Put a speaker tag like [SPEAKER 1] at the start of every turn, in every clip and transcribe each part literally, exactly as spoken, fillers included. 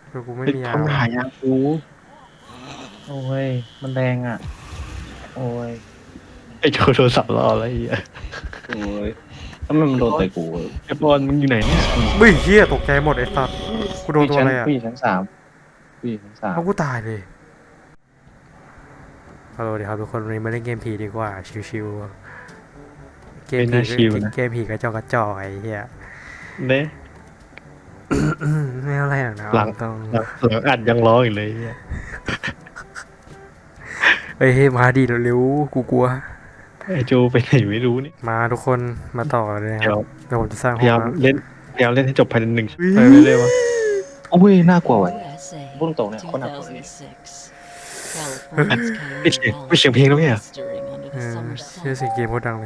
[SPEAKER 1] คือกูไม่
[SPEAKER 2] เป็น
[SPEAKER 1] มียา
[SPEAKER 2] คน
[SPEAKER 1] ว่ะ
[SPEAKER 2] หายากู
[SPEAKER 3] โอ้ยมันแรงอ่ะโอ้ย
[SPEAKER 2] ไอ้โจโทรศัพท์รออะไรอ่ะ
[SPEAKER 3] โอ้ยถ้ามันมันโดนแต่กู
[SPEAKER 2] ไอ้บอลมึงอยู่ไหนเนี่ย
[SPEAKER 1] เฮ้ยเฮียตกใจหมดไอ้สัตว์กูโด
[SPEAKER 3] ผู้
[SPEAKER 1] นตัวอะไรอ่ะ
[SPEAKER 3] ชั้นผู้หญิงชั้นสามผู้หญิงชั้นสาม
[SPEAKER 1] เอากูตายเลยฮัลโหลเดี๋ยวครับทุกคนวันนี้มาเล่นเกมผีดีกว่าชิวๆเกม
[SPEAKER 2] เป็น
[SPEAKER 1] ผี
[SPEAKER 2] น่าชิวนะ
[SPEAKER 1] เกมผีกระจอกกระจอกไอ้เฮีย
[SPEAKER 2] เน่
[SPEAKER 1] ไม่เอาอะไรหรอกนะ
[SPEAKER 2] หลัง
[SPEAKER 1] ต้อง
[SPEAKER 2] หลังหลังอัดยังร้องอยู่เลยเนี่ย
[SPEAKER 1] เฮ้ยมาดีเร็วๆกูกลัว
[SPEAKER 2] ไอ้โจไปไหนไม่รู้นี่
[SPEAKER 1] มาทุกคนมาต่อเลยนะค
[SPEAKER 2] เดี๋
[SPEAKER 1] รั
[SPEAKER 2] ยว
[SPEAKER 1] บเดี๋ยวผมจะสร้าง
[SPEAKER 2] พ
[SPEAKER 1] ห้
[SPEAKER 2] ยา
[SPEAKER 1] อง
[SPEAKER 2] ยาม
[SPEAKER 1] นะ
[SPEAKER 2] เล่นพยายามเล่นให้จบภายในหนึ่งชั่วโมงไปเรื่อยๆวะ
[SPEAKER 3] โอ้ยน่ากลัวว่ะพูดตรงเนี่ยโคตรน่ากลัวเลย
[SPEAKER 2] ไม่เสียงไม่เสียงเพลงแล้วเนี่ย
[SPEAKER 1] เออเชื่อเสียงเกมโคตรดังเลย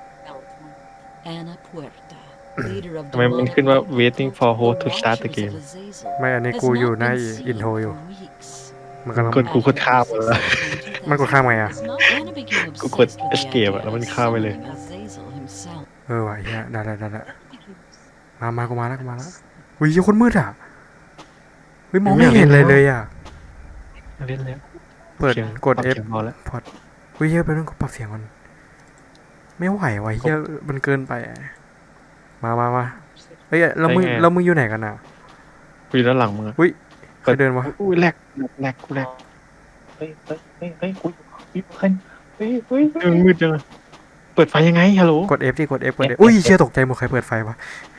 [SPEAKER 2] ทำไมมันขึ้นว่า waiting for host to start the game
[SPEAKER 1] ไม่อันนี้กูอยู่ในอินโทรอยู่มันกำลัง
[SPEAKER 2] กดกูกดข้ามไปแล้ว
[SPEAKER 1] มันกดข้ามไงอ่ะ
[SPEAKER 2] กูกด escape อะแล้วมันข้ามไปเลย
[SPEAKER 1] เออว่ะเฮียได้ได้ได้ได้มามากูมาแล้วกูมาแล้วอุ้ยเหี้ยคนมืดอ่ะเฮ้ยมองไม่เห็นเลยเลยอ่ะ
[SPEAKER 2] เล่นแล้ว
[SPEAKER 1] เปิด
[SPEAKER 2] สียง
[SPEAKER 1] กด
[SPEAKER 2] ปรับ
[SPEAKER 1] F
[SPEAKER 2] สียงพอแล้ว
[SPEAKER 1] พอดเฮ้ยเฮียไปต้องปรับเสียงมันไม่ไหวว่ะเฮียมันเกินไปอะมามามาเฮ้ยแล้วมึงแล้วมึงอยู่ไหนกันอ่ะ
[SPEAKER 2] กูอยู่ด้านหลังมึงอะ
[SPEAKER 1] ใครเดินวะ
[SPEAKER 2] อุ้ยแลกแลกกูแลก
[SPEAKER 3] เฮ้ยเฮ้ยเฮ้ยเฮ้ยกูอยู่เฮ้ยเฮ้ยเฮ้ย
[SPEAKER 2] เออมืดจังอะเปิดไฟยังไงฮัลโหล
[SPEAKER 1] กด F ดิกด F กด F อุ้ยเชี่ยตกใจหมดใครเปิดไฟวะ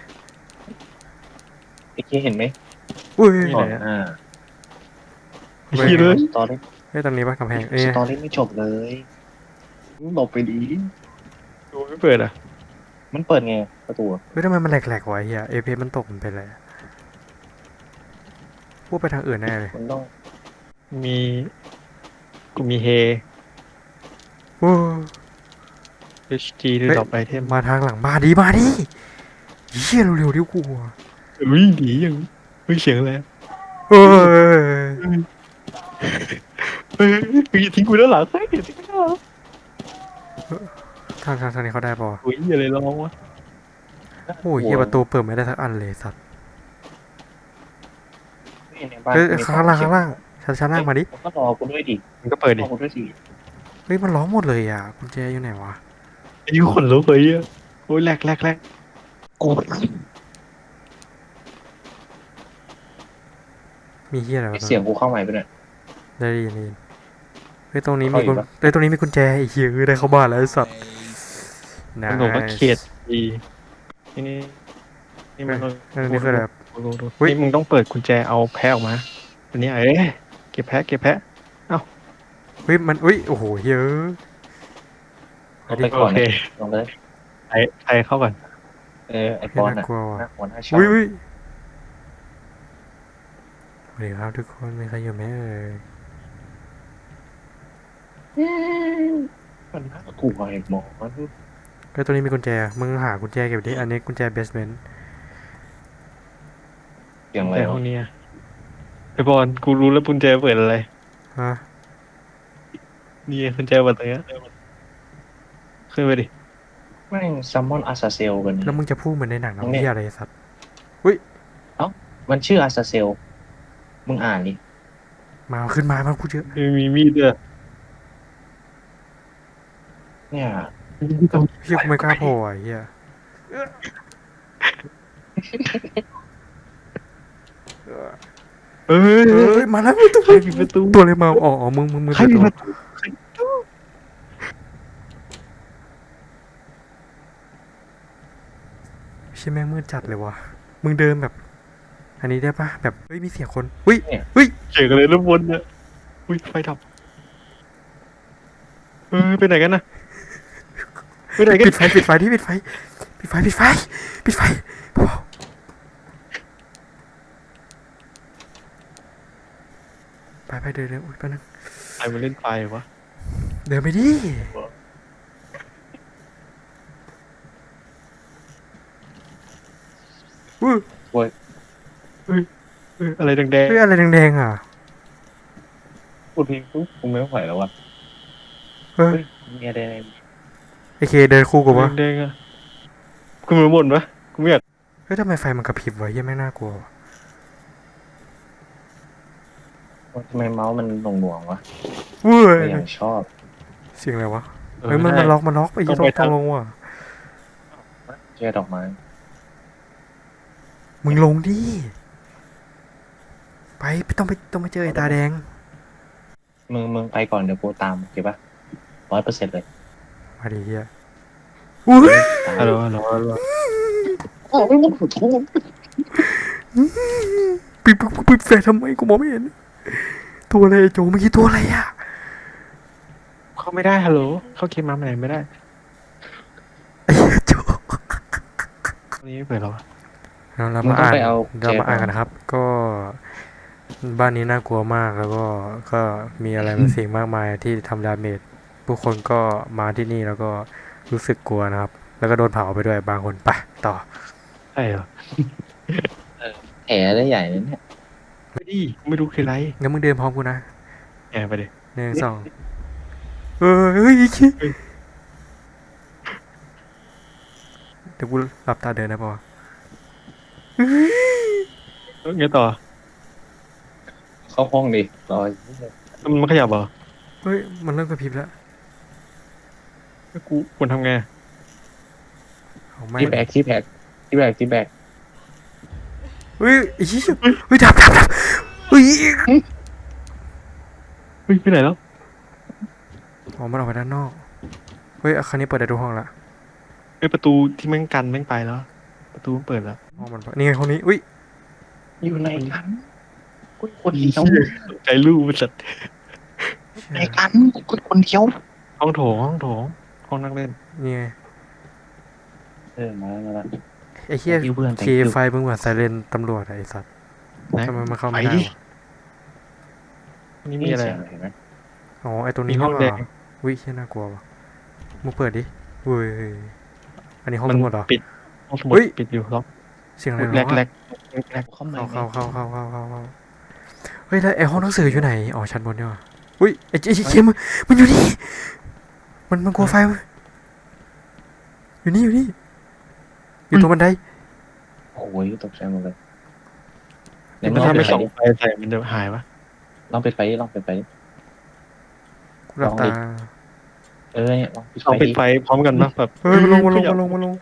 [SPEAKER 3] ไอ้เคเห็นไหม
[SPEAKER 1] อุ้ย
[SPEAKER 3] ก่อนอ่า
[SPEAKER 2] ไอ้ขี้เลย
[SPEAKER 3] สตอรี่
[SPEAKER 1] เฮ้ยตรงนี้ปะกำแพงเอ้ย
[SPEAKER 3] สตอรี่ไม่จบเลยหลบไปดี
[SPEAKER 2] ดูไม่เปิดอ่ะ
[SPEAKER 3] มันเปิดไงประตู
[SPEAKER 1] เฮ้ยทำไมมันแหลกๆวะเฮียเอพมันตกมันเป็นไรพูดไปทางอื่นแน่เลย
[SPEAKER 3] มันต้อง
[SPEAKER 2] มีกูมีเฮ
[SPEAKER 1] โอ้
[SPEAKER 2] เอช จี ที่ดรอปไอเทม
[SPEAKER 1] มาทางหลังมาดีมาดิเฮียเร็วๆดิกูอะ
[SPEAKER 2] อุ้ยดียังอุ้ยเสียงอะไรอะ
[SPEAKER 1] เอ้ย
[SPEAKER 2] เฮ้ยมึงอย่าทิ้งกูด้านหลังเฮ้ยอย่าทิ้งกูด้านหลัง
[SPEAKER 1] ทางทางทางนี้เขาได้ปะวะ
[SPEAKER 2] อุ้ยอะไรร้องวะ
[SPEAKER 1] โอ้ยเฮียประตูเปิดไม่ได้สักอันเลยสัตว์
[SPEAKER 3] ในบ้าน
[SPEAKER 1] เฮ้ยข้างล่างข้างล่างชั้นชั้นล่างมาดิ
[SPEAKER 3] ก็รอกูด้วยดิ
[SPEAKER 2] มันก็เปิด
[SPEAKER 3] ร
[SPEAKER 2] ดิ
[SPEAKER 3] อกูด้วยดิ
[SPEAKER 1] เฮ้ยมันล้อมหมดเลยอ่ะกุญแจอยู่ไหนวะ
[SPEAKER 2] ไอ้ยูขนลุกเลยอ่ะโอ้ยแลกแลกแลก
[SPEAKER 3] กู
[SPEAKER 1] มีเฮียอะไรวะ
[SPEAKER 3] เสียงกูเข้าใหม่ไปเนี่ย
[SPEAKER 1] ได้ยินได้ยินเฮ้ยตรงนี้มี
[SPEAKER 3] เข้าอี
[SPEAKER 1] กุ
[SPEAKER 3] ก
[SPEAKER 1] ญ
[SPEAKER 3] ปะ
[SPEAKER 1] เฮ้ยตรงนี้มีกุญแจไอ้เฮียเอ้ยได้เข้าบ้านแล้วไอ้สัตว์นะ
[SPEAKER 2] มันบอกว่าเขียดดีนี่นี่นี่มัน
[SPEAKER 1] อันนี้คือแบบ
[SPEAKER 2] ดูดู
[SPEAKER 1] อุ๊ย
[SPEAKER 2] นี่มึงต้องเปิดกุญแจเอาแพะออกมาอันนี้เอ้ยเก็บแพะเก็บแพะ
[SPEAKER 1] เฮ้ยมันอุ้ยโอ้โหเฮีย
[SPEAKER 3] เอาไปก่อน
[SPEAKER 2] โอเค
[SPEAKER 3] ลงเลย
[SPEAKER 2] ไอไอเข้าก่อน
[SPEAKER 3] เออไอป
[SPEAKER 1] เฮ้ย
[SPEAKER 3] อน
[SPEAKER 1] น่า
[SPEAKER 3] อ่ะ
[SPEAKER 1] กลัวว่ะ
[SPEAKER 3] น่ากลัวน่าชอบ
[SPEAKER 1] อุ้ยอุ้ยสวัสดีครับทุกคนมีใครอยู่ไหมเอ่ย
[SPEAKER 3] มันน่ากลัวไอ้หมอมัน
[SPEAKER 1] เฮ้ยตัวนี้มีกุญแจมึงหากุญแจเก็บดิอันนี้กุญแจเบสเมนต์
[SPEAKER 3] เสียงอะไร
[SPEAKER 2] ในห้
[SPEAKER 3] วะ
[SPEAKER 2] องนี้อะไอบอลกูรู้แล้วกุญแจเปิดอะไร
[SPEAKER 1] ฮะ
[SPEAKER 2] นี่ไงกุญแจเปิดตรงเนี้ยขึ้นไปดิ
[SPEAKER 3] แม่งซัมมอนอาซาเซลกัน
[SPEAKER 1] แล้วมึงจะพูดเหมือนในหนัง
[SPEAKER 3] ตรง
[SPEAKER 1] น้ำ
[SPEAKER 3] นี้
[SPEAKER 1] เฮียอะไรไอ้สัตว์
[SPEAKER 3] มันชื่ออาซาเซลมึงอ่านดิ
[SPEAKER 1] มาขึ้นมามันพูดเยอะ
[SPEAKER 2] มีมีมีดด้วย
[SPEAKER 3] เนี่ย
[SPEAKER 1] เฮียกูไม่กล้าโผล่อ่ะเฮีย
[SPEAKER 2] เอ้ย
[SPEAKER 1] เฮ้ยมาแล้วตัว
[SPEAKER 2] ใครปิดประตู
[SPEAKER 1] ตัวอะไรมาอ๋ออ๋อมึงมึงมึง
[SPEAKER 2] ใคร
[SPEAKER 1] เปิด
[SPEAKER 2] ปิด
[SPEAKER 1] ตัว
[SPEAKER 2] ประตูใคร
[SPEAKER 1] เชี่ยแม่งมืดจัดเลยวะมึงเดินแบบ อันนี้ได้ปะแบบเฮ้ยมีเสียงคนเฮ้ยเฮ้ย
[SPEAKER 2] เจ๋งเลยแล้วบนเนี่ยอุ้ยไฟดับเออไปไหนกันนะไปไหนกัน
[SPEAKER 1] ปิดไฟปิดไฟที่ปิดไฟปิดไฟปิดไฟปิดไฟไปไปเดินเดินอุ้ยไปบนึง
[SPEAKER 2] ใครมาเล่นไฟวะ
[SPEAKER 1] เดินไปดิอุ้ย
[SPEAKER 2] เอออะไรแดง
[SPEAKER 1] เฮ้ยอะไรแดงๆอ่ะ
[SPEAKER 3] พูดเพลงปุ๊บกูไม่ไหวแล้ววะ
[SPEAKER 1] เฮ้ย
[SPEAKER 3] เฮ้ยมีอะไร
[SPEAKER 1] ไอเคเดินคู่
[SPEAKER 2] ๆ
[SPEAKER 1] กูปะ
[SPEAKER 2] แดงๆอ่ะกูมือหมดปะกูไม่อยาก
[SPEAKER 1] เฮ้ยทำไมไฟมันกระพริบวะเหี้ยังไม่งน่ากลัววะ
[SPEAKER 3] ทำไมเมาส์มันหน่วงๆวะ
[SPEAKER 1] เว้ย
[SPEAKER 3] ไม่อย่างชอบ
[SPEAKER 1] เสียงอะไรวะ
[SPEAKER 2] เออ
[SPEAKER 1] เฮ้ยมัน
[SPEAKER 2] ใช่
[SPEAKER 1] มันล็อกมันล็อกไอ้ยี่
[SPEAKER 2] ต้
[SPEAKER 1] ต้
[SPEAKER 2] อ
[SPEAKER 1] อง ง
[SPEAKER 2] ไป
[SPEAKER 1] ต้อง
[SPEAKER 2] ทาง
[SPEAKER 1] ลงว่ะ
[SPEAKER 3] เชื่อดอกไม้
[SPEAKER 1] มึงลงดิไปต้องไปต้องไปเจอไอ้ตาแดง
[SPEAKER 3] มึงมึงไปก่อนเดี๋ยวกูตามโอเคปะร้อยเปอร์เซ็นต์เลย
[SPEAKER 1] มาดิเฮียอุ้ย
[SPEAKER 2] ฮัลโหลฮัลโหลฮัลโหล
[SPEAKER 1] ปิดปิดปิดแฟลชทำไมกูมองไม่เห็นตัวอะไรไอ้โจเมื่อกี้ตัวอะไรอะ
[SPEAKER 2] เข้าไม่ได้ฮัลโหลเข้าเกมมาไหนไม่ได้
[SPEAKER 1] ไอ้เหี้ยโจ
[SPEAKER 2] วันนี้ไม่เปิดหรอวะ
[SPEAKER 1] เราเรา
[SPEAKER 3] มึง
[SPEAKER 1] มา
[SPEAKER 3] ต้อง
[SPEAKER 1] อ่าน
[SPEAKER 3] ไปเอา
[SPEAKER 1] เรามาอ่าน
[SPEAKER 3] เจ
[SPEAKER 1] กันนะครับ ก็บ้านนี้น่ากลัวมากแล้วก็ก็มีอะไรบางสิ่งมากมายที่ทำดาเมจผู้คนก็มาที่นี่แล้วก็รู้สึกกลัวนะครับ แล้วก็โดนเผาไปด้วยบางคนไปต่อ
[SPEAKER 2] ใช่เหรอ
[SPEAKER 3] แผลได้ใหญ่เลยเนี่ย
[SPEAKER 2] ไม่ดีไม่รู้คืออะไร
[SPEAKER 1] งั้นมึงเดินพร้อมกูนะ
[SPEAKER 2] แอบไปดิ
[SPEAKER 1] หนึ่งสองเออเฮ้ยอีกทีเดี๋ยวกูหลับตาเดินนะปะวะ
[SPEAKER 2] เอ้ยไงต่อ
[SPEAKER 3] เข้าห้องดิรอ
[SPEAKER 2] มันมันขยับเหรอ
[SPEAKER 1] เฮ้ยมันเริ่มกระพริบแล้ว
[SPEAKER 2] แล้วกูควรทำไง
[SPEAKER 1] เอาไม่
[SPEAKER 3] ที่แบกที่แบกที่แบกที่แบก
[SPEAKER 1] เฮ้ยไอ้ชี้ยเฮ้ยดับดับดับเฮ้ย
[SPEAKER 2] เฮ้ยไปไหนแล้ว
[SPEAKER 1] อ๋อมันออกไปด้านนอกเฮ้ยครั้งนี้เปิดได้ทุกห้องละ
[SPEAKER 2] ไอ้ยประตูที่แม่งกันแม่งไปแล้ว ประตูมันเปิดแล้ว
[SPEAKER 1] ห้องมันนี่ไงห้องนี้อุ้ย
[SPEAKER 3] อยู่ในกันกูคนเดียว
[SPEAKER 2] ตกใจลูกมันสัตว์
[SPEAKER 3] ในกันกูคนเดียว
[SPEAKER 2] ห้องโถงห้องโถงห้องนั่งเล่น
[SPEAKER 1] นี่ไง
[SPEAKER 3] เออมาแล้วมาแล้ว
[SPEAKER 1] ไอ้เหี้ย
[SPEAKER 3] Thank you เพื่อน
[SPEAKER 1] เค
[SPEAKER 3] Thank you
[SPEAKER 1] ไฟมึงเหมือนไซเรนตำรวจอะไอ้สัตว์
[SPEAKER 2] นะ
[SPEAKER 1] ทำไมมันเข้า
[SPEAKER 2] ไป
[SPEAKER 1] ไม่ได้
[SPEAKER 2] ดิ
[SPEAKER 1] วะ
[SPEAKER 2] นี่มีอะไร
[SPEAKER 3] เสียง
[SPEAKER 2] อะ
[SPEAKER 3] เห็นไหม
[SPEAKER 1] อ๋อไอ้ตรง
[SPEAKER 2] มี
[SPEAKER 1] นี้
[SPEAKER 2] ห้อง
[SPEAKER 1] นี่
[SPEAKER 2] แด
[SPEAKER 1] หว่าง อุ้ยเหี้ยน่ากลัววะมึงเปิดดิเว้ยอันนี้ห้อง
[SPEAKER 2] มั
[SPEAKER 1] ตำรวจเหรอ
[SPEAKER 2] ปิดห้องสมุด
[SPEAKER 1] เฮ้ย
[SPEAKER 2] ปิดอยู่ล็อก
[SPEAKER 1] เสียงอะไร
[SPEAKER 2] แร
[SPEAKER 1] ร้อก ง
[SPEAKER 2] แร
[SPEAKER 1] อะ
[SPEAKER 2] กแรก
[SPEAKER 3] เข้ามา
[SPEAKER 1] เข้าเข้าเข้าเข้าเข้าเข้าเข้าเฮ้ยแล้วไอ้ห้องหนังสืออยู่ไหนอ๋อชั้นบนเนี่ยว่ะอุ้ยไอ้ไอ้เคมมันมันอยู่นี่มันมันกลัวไฟเว้ยอยู่นี่อยู่นี่อยู่ตรงบันได
[SPEAKER 3] โอ้ยตกใจหมดเลย
[SPEAKER 2] ถ้า
[SPEAKER 3] ลอง
[SPEAKER 2] ไม่
[SPEAKER 3] ปิด
[SPEAKER 2] ส่อง
[SPEAKER 3] ไฟ
[SPEAKER 2] ไฟใส่มันจะหายวะ
[SPEAKER 3] ลองปิดไฟดิลองปิดไฟดิ
[SPEAKER 1] กูหลับตา
[SPEAKER 3] เออเนี่ยลองปิดไฟ
[SPEAKER 2] เอาปิด
[SPEAKER 3] ดิ
[SPEAKER 2] ไฟพร้อมกันปะแบบ
[SPEAKER 1] เฮ้ยมันลงมันลงมันลงมันลง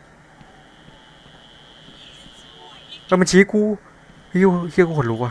[SPEAKER 1] เออมันชี้กูเฮียเฮียกูขนลุกว่ะ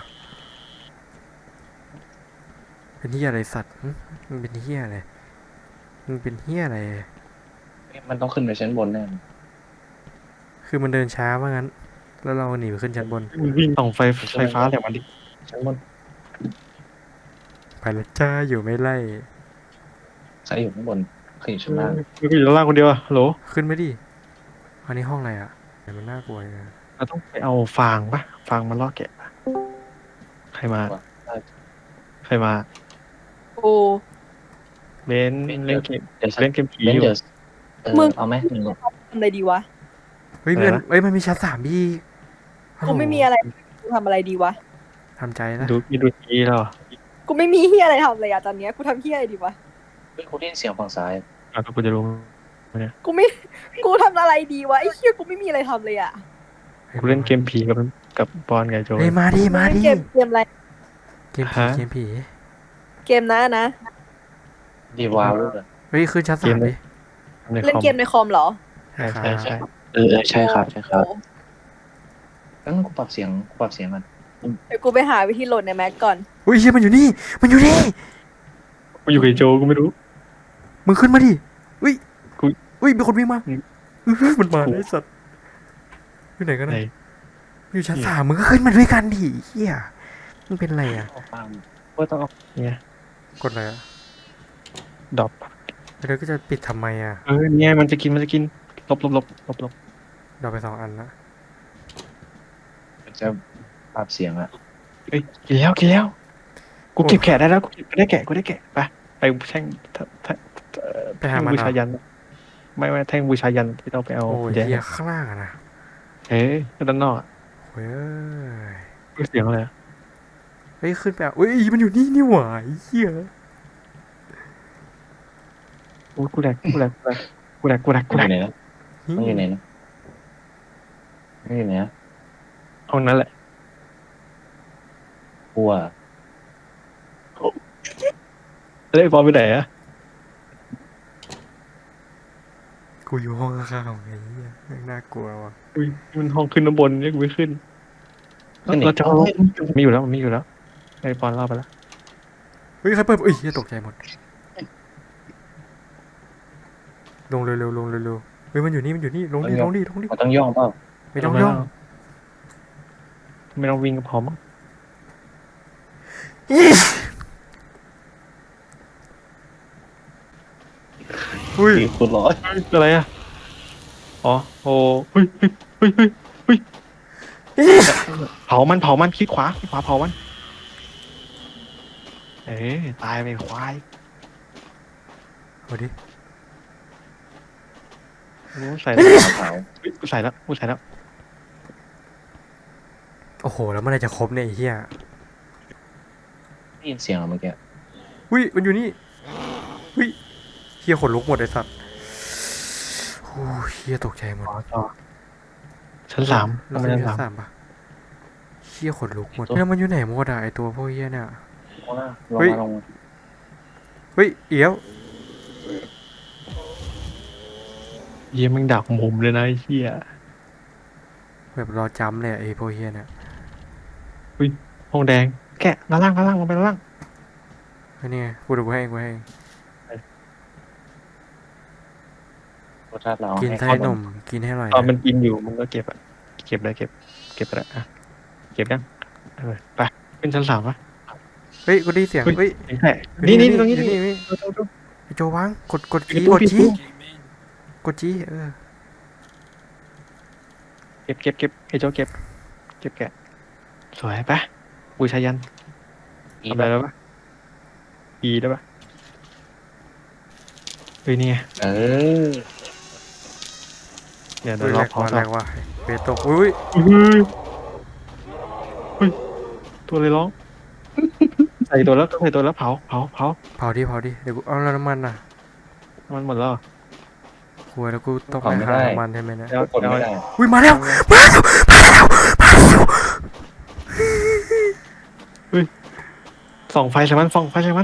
[SPEAKER 1] เป็นเฮียอะไรสัตว์หึมึงเป็นเฮียอะไรมึงเป็นเฮียอะไร
[SPEAKER 3] มันต้องขึ้นไปชั้นบนแน่
[SPEAKER 1] คือมันเดินช้าว่างั้น แล้วเราหนีไปขึ้นชั้นบน
[SPEAKER 2] มึงวิ่งส่องไฟไฟฟ้าแต่มันดิ
[SPEAKER 3] ชั้นบน
[SPEAKER 1] ไปและจ้าอยู่ไม่ไล่
[SPEAKER 3] ใครอยู่ข้างบนใครอยู่ชั้นล่าง
[SPEAKER 2] มึงก็อยู่ด้านล่างคนเดียวอะฮัลโหล
[SPEAKER 1] ขึ้นไม่ดิอันนี้ห้องอะไรอ่ะแต่มันน่ากลัวยังไง
[SPEAKER 2] เราต้องไปเอาฟางปะฟางมาล่อแกะปะใครมา ใครมา
[SPEAKER 4] โอ้
[SPEAKER 2] เบนเล่นเกม
[SPEAKER 3] เดี๋ยว
[SPEAKER 2] เล่นเกมผี
[SPEAKER 3] เบน
[SPEAKER 2] อยู่
[SPEAKER 3] เดี๋ยวเออ
[SPEAKER 4] มึง
[SPEAKER 3] เอาไหมหนึ่ง
[SPEAKER 4] ทำอะไรดีวะ
[SPEAKER 1] เฮ้ย
[SPEAKER 2] อะไร
[SPEAKER 1] มัน
[SPEAKER 2] นะ
[SPEAKER 1] เฮ้ยมันมีชั้นสามพี่ฮัลโหล
[SPEAKER 4] กูไม่มีอะไรกูทำอะไรดีวะ
[SPEAKER 1] ทำใจนะ
[SPEAKER 2] ดูมีดูทีแล้วเหรอ
[SPEAKER 4] กูไม่มีเฮียอะไรทำเลยอะตอนเนี้ยกูทำเฮียอะไรดีวะ
[SPEAKER 3] เฮ้ยกูได้ยินเสียงฝั่งซ้าย
[SPEAKER 2] อ่ะก็กูจะรู้
[SPEAKER 4] กูไม่ กูทำอะไรดีวะไอ้เฮียกูไม่มีอะไรทำเลยอะ
[SPEAKER 2] กูเล่นเกมผีกับกับบอลไงโจ
[SPEAKER 1] เฮ้ยมาดิมาดิ
[SPEAKER 4] เกมเกมอะไร
[SPEAKER 1] เกมผี
[SPEAKER 2] ฮะ
[SPEAKER 1] เกมผี
[SPEAKER 4] เกมนะนะ
[SPEAKER 3] ดีวาวรู้เลย
[SPEAKER 1] เฮ้ยขึ้นชั้นสามดิ
[SPEAKER 2] ใน
[SPEAKER 4] เล่น
[SPEAKER 2] คอม
[SPEAKER 4] เกมในคอมเหรอ
[SPEAKER 2] ใช่ใช่ใช่
[SPEAKER 3] เออเออใช่ครับใช่ครับ
[SPEAKER 4] โอ้
[SPEAKER 3] งั้นกูปรับเสียงกูปรับเสียงกัน
[SPEAKER 4] เดี๋ยวกูไปหาวิธีโหลดในแม็กก่อน
[SPEAKER 1] เฮ้ยเฮียมันอยู่นี่ มันอยู่นี่
[SPEAKER 2] กูอยู่กับโจกูไม่รู้
[SPEAKER 1] มึงขึ้นมาดิเฮ้ย
[SPEAKER 2] กู
[SPEAKER 1] เฮ้ยมีคนวิ่งมา
[SPEAKER 2] อืม
[SPEAKER 1] เฮ้ยมันมา
[SPEAKER 2] กู
[SPEAKER 1] ไอ้สัตว์อยู่ไหนกัน
[SPEAKER 2] ไหน
[SPEAKER 1] นะอยู่ชั้นสามมึงก็ขึ้นมาด้วยกันดิเฮียมึงเป็นไรอ่ะ
[SPEAKER 3] เอาฟัง
[SPEAKER 2] ว่าต้องเอาเนี่ย
[SPEAKER 1] กดอะไรอ่ะ
[SPEAKER 2] ดรอป
[SPEAKER 1] แล้วก็จะปิดทำไมอ่ะ
[SPEAKER 2] เออเนี่ยมันจะกินมันจะกินลบลบลบลบลบ
[SPEAKER 1] เราไปสองอันละ
[SPEAKER 3] มันจะปรับเสียงอะ
[SPEAKER 2] เอ้ยกินแล้วกินแล้ว กูเก็บแกะได้แล้วกูเก็บกูได้แกะกูได้แกะไปไปแท่งแท่งแท่งเอ่อ
[SPEAKER 1] ไปหา
[SPEAKER 2] แท่ง
[SPEAKER 1] มัน
[SPEAKER 2] บู
[SPEAKER 1] เหร
[SPEAKER 2] ชา
[SPEAKER 1] อ
[SPEAKER 2] ยัน ไม่ไม่แท่งบูชายันที่เราไปเอา
[SPEAKER 1] โอ้ย
[SPEAKER 2] แย่
[SPEAKER 1] เฮียข้างล่างอะนะ
[SPEAKER 2] เอ๊ะด้านนอกอะ
[SPEAKER 1] เฮ้ย
[SPEAKER 2] กูเสียงอะไรอะ
[SPEAKER 1] เฮ้ยขึ้นไปอ่ะเฮ้ยมันอยู่นี่นี่หว่าไอ้เฮีย
[SPEAKER 2] กูกูแดกกูแดกกูแดกกูแดกกู
[SPEAKER 3] มัน
[SPEAKER 2] แด
[SPEAKER 3] อก ยู่ไหนนะมันอยู่ไหนนะมันอยู่ไหนนะ
[SPEAKER 2] ห้องนั้นแหละ
[SPEAKER 3] กลัว
[SPEAKER 2] แล้วไอ้บอลไปไหนอะ
[SPEAKER 1] กูอยู่ห้องข้างๆไงเหี้ยแม่งน่ากลัวว่ะ
[SPEAKER 2] อุ้ยมันห้องขึ้นน้ำบนเนี่ยกูไม่ขึ้น
[SPEAKER 3] ขึ้นอีก
[SPEAKER 2] เราจะเอา
[SPEAKER 3] เฮ้ย
[SPEAKER 2] มีอยู่แล้วมันมีอยู่แล้วไอ้บอลเล่าไปแล้ว
[SPEAKER 1] เฮ้ยใครเปิดเอ้ยเหี้ยตกใจหมดลงเร็วๆลงเร็วๆเฮ้ยมันอยู่นี่มันอยู่นี่ลงดิลงดิลงดิ
[SPEAKER 3] มันต้องย่องเปล่า
[SPEAKER 1] ไม่ต้องย่อง
[SPEAKER 2] ไม่ต้องวิ่งก็พอมั้ง
[SPEAKER 1] อุ้ย
[SPEAKER 3] สี่คูณร้อย
[SPEAKER 2] เฮ้ยอะไรอะอ๋อโอ้เฮ้ยเฮ้ยเฮ้ยเฮ้ยเฮ้ยเผามันเผามันคลิกขวาคลิกขวาเผามันเอ๊ะตายไปควาย
[SPEAKER 1] เอาดิ
[SPEAKER 2] รู้ใส่แล้ว
[SPEAKER 3] เผา
[SPEAKER 2] เฮ้ยกูใส่แล้วกูใส่แล้ว
[SPEAKER 1] โอ้โหแล้วเมื่อไหรจะครบเนี่ยไอ้เหี้ย
[SPEAKER 3] ได้ยินเสียงเหรอเมื่อกี้
[SPEAKER 1] อุ้ยมันอยู่นี่อุ้ยเหี้ยขนลุกหมดไอ้สัตว์โอ้ยเหี้ยตกใจหมด
[SPEAKER 2] อ๋อต่อชั้นสาม
[SPEAKER 1] เรา
[SPEAKER 2] ทำไม
[SPEAKER 1] ไม่
[SPEAKER 2] ชั้น
[SPEAKER 1] ได้
[SPEAKER 2] สาม
[SPEAKER 1] สามปะเหี้ยขนลุกหมดแล้วมันอยู่ไหนหมดอะไอตัวพวกเหี้ยเนี่ย
[SPEAKER 3] ลงมาลง
[SPEAKER 1] เฮ้ย
[SPEAKER 3] มาลงมา
[SPEAKER 1] เฮ้ยเอี้ยว
[SPEAKER 2] เยี่ยมมึงดักมุมเลยนะไอ้เหี้ย
[SPEAKER 1] แบบรอจำเลยอะไอพวกเหี้ยเนี่ย
[SPEAKER 2] ห้องแดงแกะด้านล่างด้านล่างลงไปด้านล่าง
[SPEAKER 1] เฮ้ยนี่ไงกูดูกูให้เองกูให้เอง
[SPEAKER 3] รสชาติเรา
[SPEAKER 1] กิน
[SPEAKER 3] ให้
[SPEAKER 1] ไส้
[SPEAKER 3] เข้าน
[SPEAKER 1] มกินให้อร่อย
[SPEAKER 2] ตอนมั
[SPEAKER 1] นะ
[SPEAKER 2] นกินอยู่มึงก็เก็บอะเก็บเลยเก็บเก็บไปแล้วอะเก็บยังเออไปขึ้นชั้นสามปะ
[SPEAKER 1] เฮ้ยกูได้ยินเสียง
[SPEAKER 2] เฮ้ย
[SPEAKER 1] เฮ้ย
[SPEAKER 2] เห็นแค่นี่นี่ตรงนี้
[SPEAKER 1] อยู่
[SPEAKER 2] นี่
[SPEAKER 1] นี่
[SPEAKER 2] ดูดูดู
[SPEAKER 1] ไอโจวางกดกดจี
[SPEAKER 2] ปิดตู้
[SPEAKER 1] กดจี
[SPEAKER 2] ปิดตู้
[SPEAKER 1] กดจีเออ
[SPEAKER 2] เก็บเก็บเก็บไอ้โจเก็บเก็บแกะสวยปะบูชายัน
[SPEAKER 3] อี
[SPEAKER 2] ทำ
[SPEAKER 3] แบ
[SPEAKER 2] อะไร
[SPEAKER 3] บ
[SPEAKER 2] แล้วปะอีได้ปะเฮ้ยนี่ไง
[SPEAKER 3] เออ
[SPEAKER 2] เดี๋ยว
[SPEAKER 1] เฮ้
[SPEAKER 2] เดี๋
[SPEAKER 1] ย
[SPEAKER 2] ยวร
[SPEAKER 1] แร
[SPEAKER 2] อก พอ
[SPEAKER 1] ว่า
[SPEAKER 2] ต่
[SPEAKER 1] แร
[SPEAKER 2] อก
[SPEAKER 1] ว่าเบตกอุ้ย
[SPEAKER 2] เฮ้ยเฮ้ยตัวอะไรร้องใส่ตัวแล้วใส่ตัวแล้วเผาเผาเผา
[SPEAKER 1] เผาดิเผาดิเดี๋ยวกูเอาแล้วน้ำมันน่ะ
[SPEAKER 2] มันหมดแล้วเหรอ
[SPEAKER 1] กลัวแล้วกูต้องไปหาน้ำมันใช่ไหมเนะ
[SPEAKER 2] แล้ว
[SPEAKER 3] กดไม่ได้
[SPEAKER 1] อุ้ยมาแล้วมาแล้วมาแล้วมาแล้ว
[SPEAKER 2] ส่องไฟใส่มันส่องไฟใส่มัน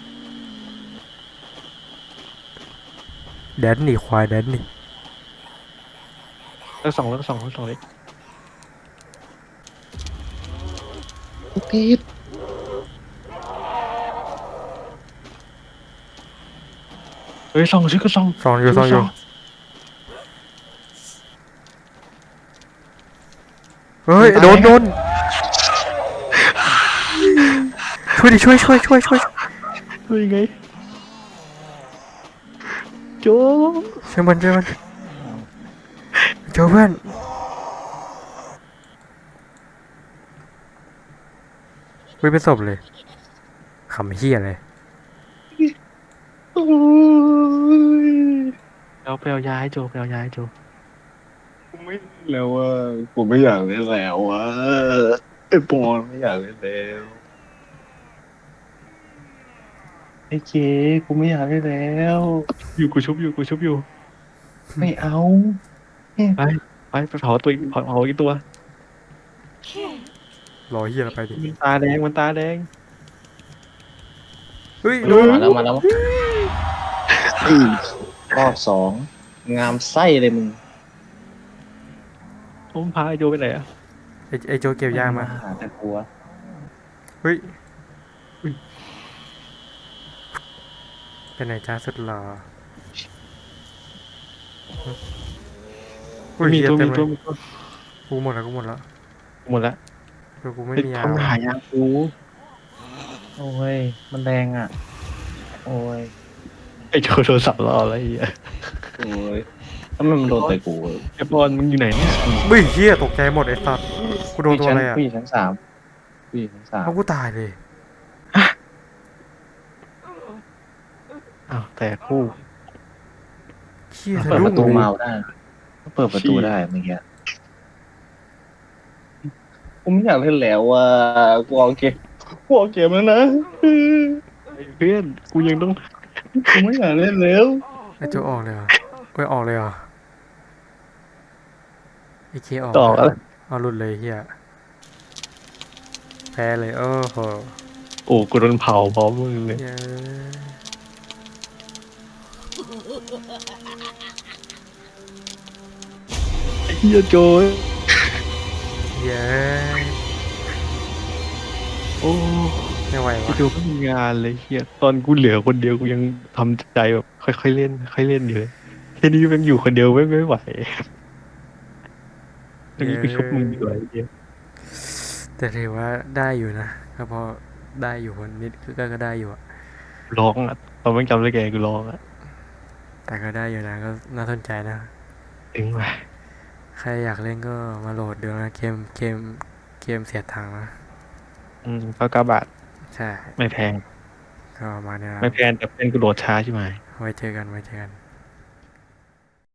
[SPEAKER 1] แดนนี่ควายแดนนี่
[SPEAKER 2] แล้วส่องแล้วส่องแล้วส่องเลย
[SPEAKER 3] ติด
[SPEAKER 2] เฮ้ยส่องชื่อก็ส่อง
[SPEAKER 1] ซองอยู่ซองอยู่เฮ้ยโดนโดนช่วยดิช่วยช่วยช่วยช่วย
[SPEAKER 2] เฮ้ยไงโจ
[SPEAKER 1] ช่วยมันช่วยมันโจเพื่อนเฮ้ยเป็นศพเลยขำเฮียเลย
[SPEAKER 2] เอาไปเอายาให้โจไปเอายาให้โจ
[SPEAKER 3] กูไม่แล้วว่ากูไม่อยากเล่นแล้วว่าไอ้ปอนไม่อยากเล่นแล้วไอ้เจ๊กูไม่อยากเล่นแล้ว
[SPEAKER 2] อยู่กูชุบอยู่กูชุบอยู่
[SPEAKER 3] ไม่เอา
[SPEAKER 2] ไปไปไปเผาตัวอีกเผาเผาอีกตัว
[SPEAKER 1] รอเฮียแล้วไปดิ
[SPEAKER 2] มันตาแดงมันตาแดง
[SPEAKER 1] เฮ้ย
[SPEAKER 2] เอ
[SPEAKER 1] โด
[SPEAKER 2] อ
[SPEAKER 1] น
[SPEAKER 3] มาแล้วมาแล้วอีรอบสองงามไส้เลยมึง
[SPEAKER 2] ผมพาไอโจไปไหนอะ
[SPEAKER 1] ไอไอโจเก็บยามา
[SPEAKER 3] หาแต่กลัว
[SPEAKER 1] เฮ้ยเป็นไหนจ้าสุดหล่ออุ้ย
[SPEAKER 2] มี
[SPEAKER 1] เฮีย
[SPEAKER 2] ตัว
[SPEAKER 1] เต็
[SPEAKER 2] มี
[SPEAKER 1] มเล
[SPEAKER 2] ตัวย มีตัว
[SPEAKER 1] กูหมดแล้วกูหมดแล้ว
[SPEAKER 2] หมดละ
[SPEAKER 1] เดี๋ยวกูไม่
[SPEAKER 2] เป็น
[SPEAKER 1] มียา
[SPEAKER 2] คนหายากู
[SPEAKER 3] โอ้ยมันแรงอ่ะ โอ้ย
[SPEAKER 2] ไอโจโทรศัพท์รออะไรอ่ะ
[SPEAKER 3] โอ้ยถ้ามันโดนแต่กู
[SPEAKER 2] ไอบอลมึงอยู่ไหนเนี่ย
[SPEAKER 1] เฮ้ยเฮียตกใจหมดไอ้สัตว์กูโดนตัวอะไรอ่ะ
[SPEAKER 3] ผู้หญิงชั้นสามผู้หญิงชั้นสาม
[SPEAKER 1] เอากูตายเลย
[SPEAKER 2] อ้าวแต่คู่
[SPEAKER 1] เฮีย
[SPEAKER 3] เปิ
[SPEAKER 1] สะ
[SPEAKER 3] ดป
[SPEAKER 1] ดุ้ง
[SPEAKER 3] ระตู
[SPEAKER 1] เลย
[SPEAKER 3] เมาได้เปิดประตูได้เมื่อกี้กูไม่อยากเล่นแล้วอ่ะกูเอาเกมกูเอาเกมแล้วนะ
[SPEAKER 2] ไอ้เพื่อนกูยังต้อง
[SPEAKER 3] กูไม่อยากเล่นแล้ว
[SPEAKER 1] ไอ้โจออกเลยเหรอเฮ้ยออกเลยเหรอไอเคออก
[SPEAKER 2] ต่อแล้ว
[SPEAKER 1] เอาหลุดเลยเฮียแพ้เลยโอ้โห
[SPEAKER 2] โอ้กูโดนเผาพร้อมมึงเลย
[SPEAKER 1] เย้
[SPEAKER 2] ไอ้เฮียโจย
[SPEAKER 1] เย้
[SPEAKER 2] โอ้
[SPEAKER 1] ไม่ไหว
[SPEAKER 2] ไอ้
[SPEAKER 1] วะ
[SPEAKER 2] โจไม่มีงานเลยเฮียตอนกูเหลือคนเดียวกูยังทำใจแบบค่อยๆเล่นค่อยๆเล่นอยู่เลยแค่นี้แม่งอยู่คนเดียวไม่ไม่ไหวตอนนี้กูชุบมึงดีกว่าไอ้เฮีย
[SPEAKER 1] แต่ถือว่าได้อยู่นะก็พอได้อยู่คนนิดก็ก็ได้อยู่อะ
[SPEAKER 2] ร้องอ่ะตอนแม่งจำได้แกกูร้องอ่ะ
[SPEAKER 1] แต่ก็ได้อยู่นะก็น่าสนใจนะ
[SPEAKER 2] ถึงว่ะ
[SPEAKER 1] ใครอยากเล่นก็มาโหลดดูนะเกมเกมเกมเสียตังค์นะ
[SPEAKER 2] อืมก็เก้าบาท
[SPEAKER 1] ใช่
[SPEAKER 2] ไม่แพง
[SPEAKER 1] ก็ประมาณนี้นะ
[SPEAKER 2] ไม่แพงแต่เป็นกูโหลดช้าใช่ไหม
[SPEAKER 1] ไว้เจอกันไว้เจอกัน